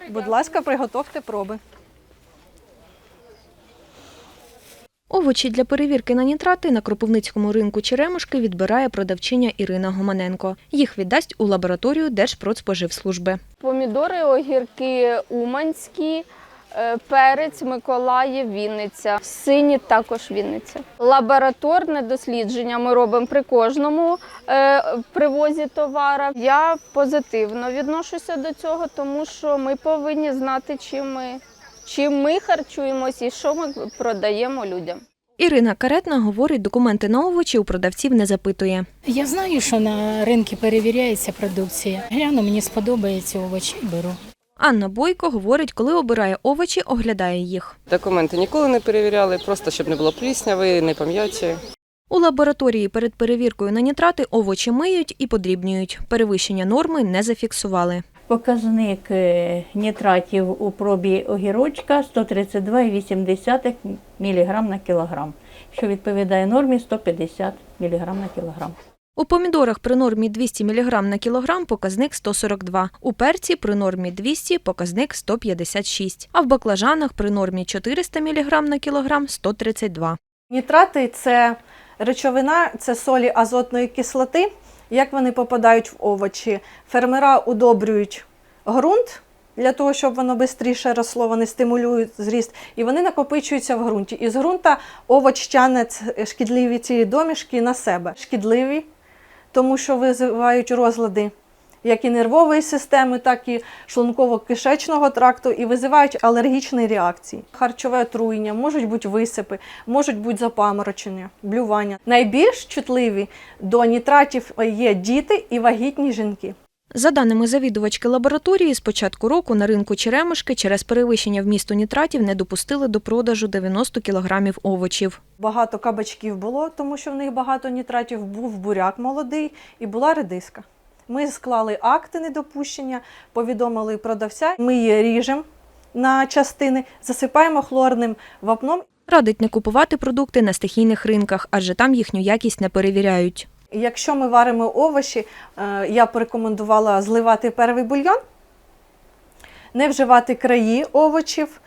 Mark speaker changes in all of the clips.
Speaker 1: Будь ласка, приготовте проби.
Speaker 2: Овочі для перевірки на нітрати на Кропивницькому ринку Черемушки відбирає продавчиня Ірина Гоманенко. Їх віддасть у лабораторію Держпродспоживслужби.
Speaker 3: Помідори, огірки уманські, перець, Миколаїв, Вінниця, сині також Вінниця. Лабораторне дослідження ми робимо при кожному привозі товара. Я позитивно відношуся до цього, тому що ми повинні знати, чим ми харчуємося і що ми продаємо людям.
Speaker 2: Ірина Каретна говорить, документи на овочі у продавців не запитує.
Speaker 4: Я знаю, що на ринку перевіряється продукція. Гляну, мені сподобається овочі, беру.
Speaker 2: Анна Бойко говорить, коли обирає овочі, оглядає їх.
Speaker 5: Документи ніколи не перевіряли, просто щоб не було плісняви, не пом'яті.
Speaker 2: У лабораторії перед перевіркою на нітрати овочі миють і подрібнюють. Перевищення норми не зафіксували.
Speaker 6: Показник нітратів у пробі огірочка 132,8 мг на кілограм, що відповідає нормі 150 мг на кілограм.
Speaker 2: У помідорах при нормі 200 мг на кілограм показник 142, у перці при нормі 200 показник 156, а в баклажанах при нормі 400 мг на кілограм 132.
Speaker 1: Нітрати – це речовина, це солі азотної кислоти. Як вони попадають в овочі? Фермера удобрюють ґрунт для того, щоб воно швидше росло, вони стимулюють зріст, і вони накопичуються в ґрунті. І з ґрунта овоч тягне шкідливі ці домішки на себе. Шкідливі, тому що визивають розлади як і нервової системи, так і шлунково-кишечного тракту, і визивають алергічні реакції. Харчове отруєння, можуть бути висипи, можуть бути запаморочення, блювання. Найбільш чутливі до нітратів є діти і вагітні жінки.
Speaker 2: За даними завідувачки лабораторії, з початку року на ринку Черемушки через перевищення вмісту нітратів не допустили до продажу 90 кілограмів овочів.
Speaker 1: Багато кабачків було, тому що в них багато нітратів, був буряк молодий і була редиска. Ми склали акти недопущення, повідомили продавця, ми її ріжемо на частини, засипаємо хлорним вапном.
Speaker 2: Радить не купувати продукти на стихійних ринках, адже там їхню якість не перевіряють.
Speaker 1: Якщо ми варимо овочі, я б рекомендувала зливати перший бульйон, не вживати краї овочів,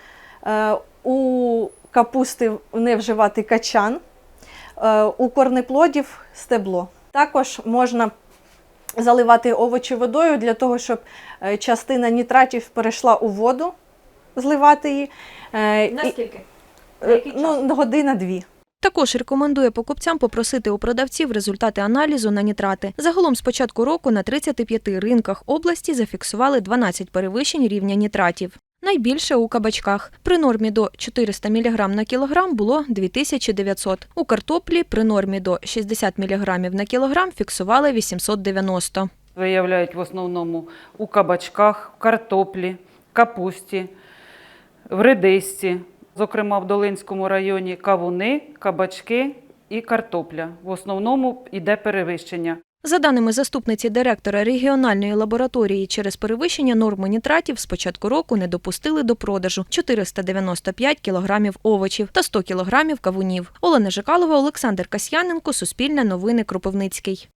Speaker 1: у капусти не вживати качан, у корнеплодів – стебло. Також можна заливати овочі водою для того, щоб частина нітратів перейшла у воду, зливати її.
Speaker 2: Наскільки?
Speaker 1: Година-дві.
Speaker 2: Також рекомендує покупцям попросити у продавців результати аналізу на нітрати. Загалом з початку року на 35 ринках області зафіксували 12 перевищень рівня нітратів. Найбільше у кабачках. При нормі до 400 мг на кілограм було 2900. У картоплі при нормі до 60 мг на кілограм фіксували 890.
Speaker 7: Виявляють в основному у кабачках, картоплі, капусті, в редисці. Зокрема, в Долинському районі кавуни, кабачки і картопля. В основному йде перевищення.
Speaker 2: За даними заступниці директора регіональної лабораторії, через перевищення норми нітратів з початку року не допустили до продажу 495 кілограмів овочів та 100 кілограмів кавунів. Олена Жикалова, Олександр Касьяненко, Суспільне новини, Кропивницький.